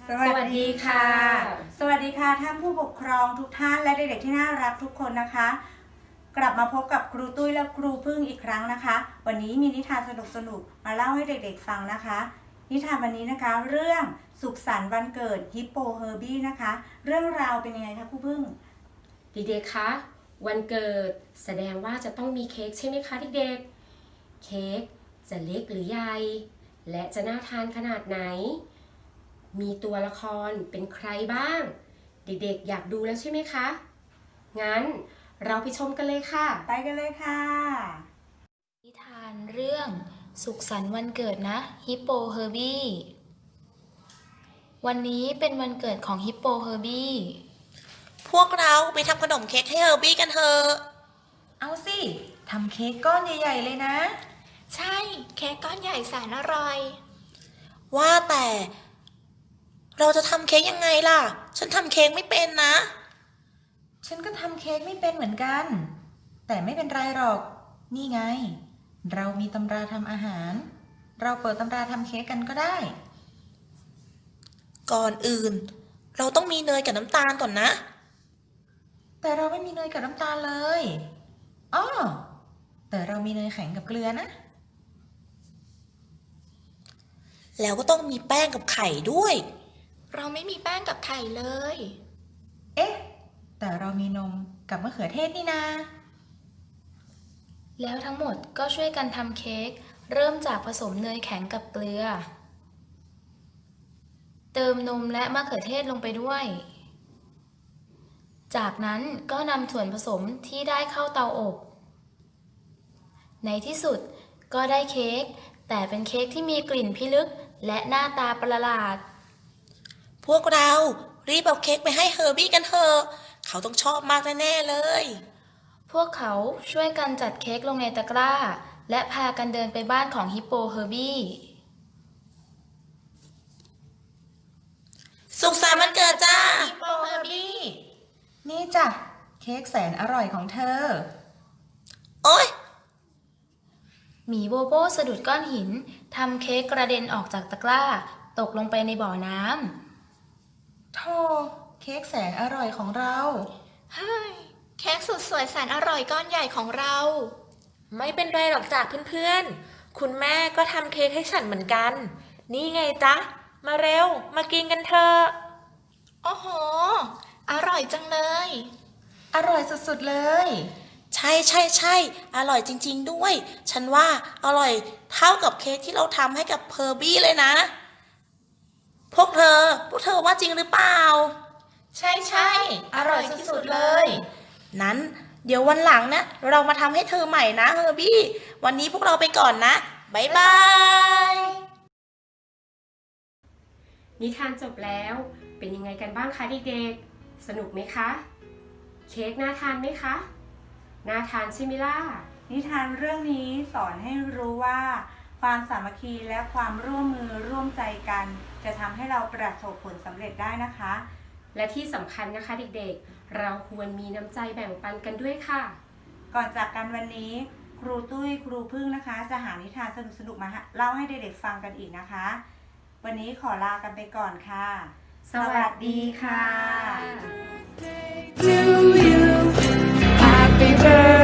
สวัสดีค่ะสวัสดีค่ะท่านผู้ปกครองทุกท่านและเด็กๆที่น่ารักทุกคนนะคะ กลับมาพบกับครูตุ้ยและครูพึ่งอีกครั้งนะคะ วันนี้มีนิทานสนุกๆมาเล่าให้เด็กๆฟังนะคะ นิทานวันนี้นะคะเรื่องสุขสันต์วันเกิดฮิปโปเฮอร์บี้นะคะ เรื่องราวเป็นยังไงคะครูพึ่งเด็กๆคะวันเกิดแสดงว่าจะต้องมีเค้กใช่ไหมคะเด็กๆเค้กจะเล็กหรือใหญ่และจะน่าทานขนาดไหนมีตัวละครเป็นใครบ้างเด็กๆอยากดูแล้วใช่ไหมคะงั้นเราไปชมกันเลยค่ะไปกันเลยค่ะนิทานเรื่องสุขสันต์วันเกิดนะฮิปโปเฮอร์บี้วันนี้เป็นวันเกิดของฮิปโปเฮอร์บี้พวกเราไปทำขนมเค้กให้เฮอร์บี้กันเถอะเอาสิทำเค้กก้อนใหญ่ๆเลยนะใช่เค้กก้อนใหญ่แสนอร่อยว่าแต่เราจะทำเค้กยังไงล่ะฉันทำเค้กไม่เป็นนะฉันก็ทำเค้กไม่เป็นเหมือนกันแต่ไม่เป็นไรหรอกนี่ไงเรามีตำราทำอาหารเราเปิดตำราทำเค้กกันก็ได้ก่อนอื่นเราต้องมีเนยกับน้ำตาลก่อนนะแต่เราไม่มีเนยกับน้ำตาลเลยอ้อแต่เรามีเนยแข็งกับเกลือนะแล้วก็ต้องมีแป้งกับไข่ด้วยเราไม่มีแป้งกับไข่เลยเอ๊ะแต่เรามีนมกับมะเขือเทศนี่นาแล้วทั้งหมดก็ช่วยกันทำเค้กเริ่มจากผสมเนยแข็งกับเกลือเติมนมและมะเขือเทศลงไปด้วยจากนั้นก็นำส่วนผสมที่ได้เข้าเตาอบในที่สุดก็ได้เค้กแต่เป็นเค้กที่มีกลิ่นพิลึกและหน้าตาประหลาดพวกเรารีบเอาเค้กไปให้เฮอร์บี้กันเถอะเขาต้องชอบมากแน่ๆเลยพวกเขาช่วยกันจัดเค้กลงในตะกร้าและพากันเดินไปบ้านของฮิปโปเฮอร์บี้สุขสันต์วันเกิดจ้าฮิปโปเฮอร์บี้นี่จ้ะเค้กแสนอร่อยของเธอโอ๊ยหมีโบโบสะดุดก้อนหินทำเค้กกระเด็นออกจากตะกร้าตกลงไปในบ่อน้ำโธ่เค้กแสนอร่อยของเราเฮ้ยเค้กสุดสวยแสนอร่อยก้อนใหญ่ของเราไม่เป็นไรหรอกจ้ะเพื่อนๆคุณแม่ก็ทำเค้กให้ฉันเหมือนกันนี่ไงจ๊ะมาเร็วมากินกันเถอะโอ้โหอร่อยจังเลยอร่อยสุดๆเลยใช่ใช่ใช่อร่อยจริงๆด้วยฉันว่าอร่อยเท่ากับเค้กที่เราทำให้กับเฮอร์บี้เลยนะพวกเธอว่าจริงหรือเปล่าใช่ใช่อร่อยสุดๆเลยนั้นเดี๋ยววันหลังนะเรามาทำให้เธอใหม่นะเฮอร์บี้วันนี้พวกเราไปก่อนนะบ๊ายบายนิทานจบแล้วเป็นยังไงกันบ้างคะเด็กๆสนุกไหมคะเค้กน่าทานไหมคะน่าทานใช่ไหมล่ะนิทานเรื่องนี้สอนให้รู้ว่าความสามัคคีและความร่วมมือร่วมใจกันจะทำให้เราประสบผลสำเร็จได้นะคะและที่สำคัญนะคะเด็กๆเราควรมีน้ำใจแบ่งปันกันด้วยค่ะก่อนจากกันวันนี้ครูตุ้ยครูพึ่งนะคะจะหานิทานสนุกๆมาเล่าให้เด็กๆฟังกันอีกนะคะวันนี้ขอลากันไปก่อนค่ะสวัสดีค่ะ To you Happy birthday